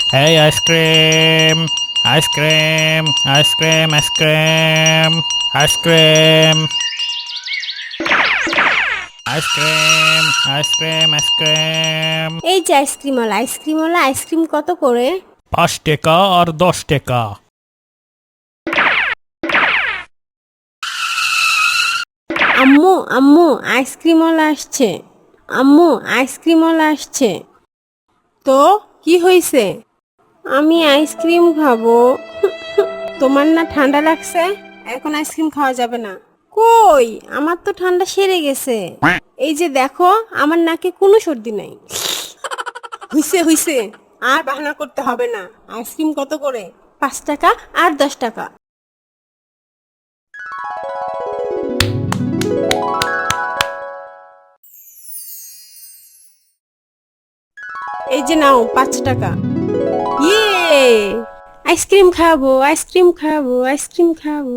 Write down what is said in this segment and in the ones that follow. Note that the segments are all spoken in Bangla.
Hey, ice cream, ice cream, ice cream, ice cream, ice cream, ice cream, ice cream, ice cream. এই যে আইসক্রিমওয়ালা আইসক্রিম কত করে? 5 টাকা আর 10 টাকা। আম্মু আম্মু আইসক্রিমওয়ালা আসছে। আম্মু আইসক্রিমওয়ালা আসছে। তো কি হয়েছে? আমি আইসক্রিম খাবো। তোমার না ঠান্ডা লাগছে? এখন আইসক্রিম খাওয়া যাবে না। কই, আমার তো ঠান্ডা সেরে গেছে। এই যে দেখো, আমার নাকে কোনো সর্দি নাই। হইছে আর বাহানা করতে হবে না। আইসক্রিম কত করে? 5 টাকা আর 10 টাকা। এই যে নাও 5 টাকা। ইয়ে, আইসক্রিম খাবো, আইসক্রিম খাবো, আইসক্রিম খাবো।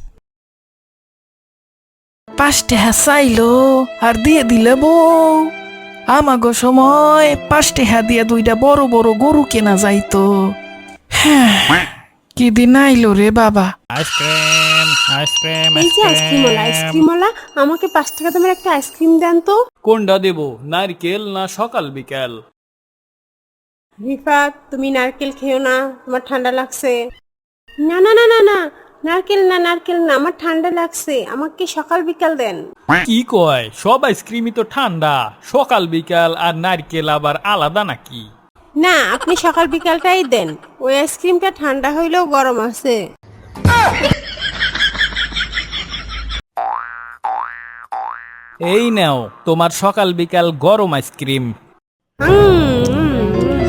5 টাকা চাইলো আর দিয়ে দিলে বউ। আমাগো সময় 5 টাকা দিয়ে 2টা বড় বড় গরু কেনা যাইতো। হ্যাঁ, কি দিন আইলো রে বাবা। Ice cream, ice cream, এই ice যে আইসক্রিমওয়ালা আমাকে 5 টাকা দামের একটা আইসক্রিম দেন তো। কোনটা দেব, নারকেল না সকাল বিকাল? রিফাত, তুমি নারকেল খেও না, তোমার ঠান্ডা লাগছে। না না না না না, নারকেল না, আমার ঠান্ডা লাগছে, আমাকে সকাল বিকাল দেন। কি কয়, সব আইসক্রিমই তো ঠান্ডা, সকাল বিকাল আর নারকেল আবার আলাদা নাকি? না, আপনি সকাল বিকালটাই দেন, ওই আইসক্রিমটা ঠান্ডা হইলেও গরম আছে। এই নাও তোমার সকাল বিকাল গরম আইসক্রিম। উম, উম,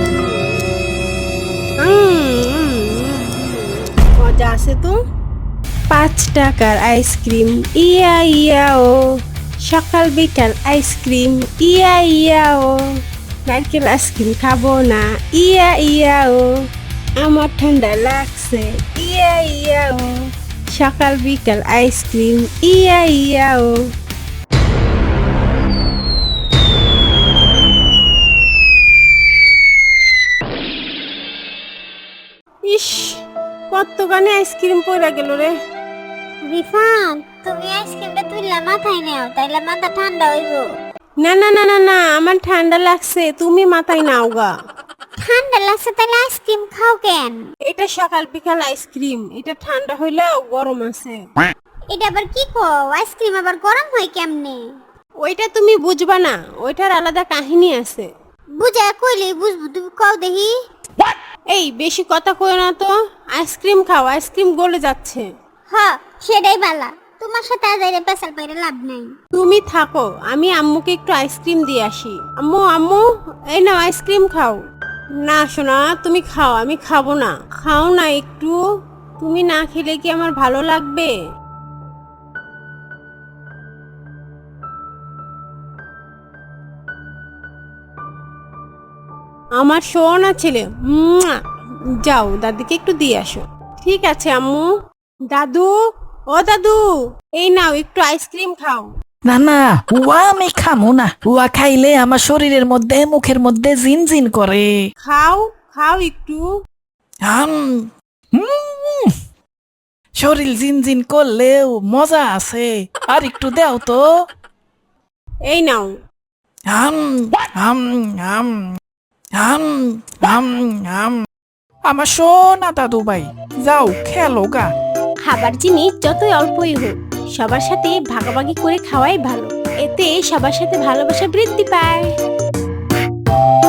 মজা আছে তো। 5 টাকার আইসক্রিম, ইয়া ইয়া ও। সকাল বিকাল আইসক্রিম, ইয়া ইয়া ও। নারকেল আইসক্রিম খাবো না, ইয়া ইয়া ও। আমার ঠান্ডা লাগছে, ইয়া ইয়া ও। সকাল বিকাল আইসক্রিম, ইয়া ইয়া ও। ইস, কত গানে আইসক্রিম পড়ে গেল রে। রিফান, তুমি আইসক্রিমটা তুললা মাথায় নাও, তাইলে মাথা ঠান্ডা হইব। না না না না না, আমার ঠান্ডা লাগছে, তুমি মাথায় নাও গা। ঠান্ডা লাগছে তাইলে আইসক্রিম খাও কেন? এটা সকাল বিকাল আইসক্রিম, এটা ঠান্ডা হইলেও গরম আছে। এটা আবার কি কও, আইসক্রিম আবার গরম হয় কেমনে? ওইটা তুমি বুঝবা না, ওইটার আলাদা কাহিনী আছে। বুঝা কইলে বুঝবো, তুমি কও দেখি। এই বেশি কথা কইও না তো, আইসক্রিম খাও, আইসক্রিম গলে যাচ্ছে। হ, সেটাই বালা, তোমার সাথে আজ এর পেশাল পাইরে লাভ নাই। তুমি থাকো, আমি আম্মুকে একটু আইসক্রিম দিয়ে আসি। আম্মু আম্মু, এই নাও আইসক্রিম খাও। না শোনা, তুমি খাও, আমি খাবো না। খাও না একটু, তুমি না খেলে কি আমার ভালো লাগবে? আমার সোনা ছেলে, মুয়া। যাও দাদিকে একটু দিয়ে আসো। ঠিক আছে আম্মু। দাদু, ও দাদু, এই নাও একটু আইসক্রিম খাও। না না, উয়া আমি খামো না। উয়া খাইলে আমার শরীরের মধ্যে মুখের মধ্যে জিনজিন করে। খাও খাও একটু। আম, উম, শরীর জিনজিন করলেও মজা আছে। আর একটু দাও তো। এই নাও। আম আম আম আম আম আম। আমার সোনা দাদু ভাই, যাও খেলো গা। খাবার জিনিস যতই অল্পই হোক, সবার সাথে ভাগাভাগি করে খাওয়াই ভালো। এতে সবার সাথে ভালোবাসা বৃদ্ধি পায়।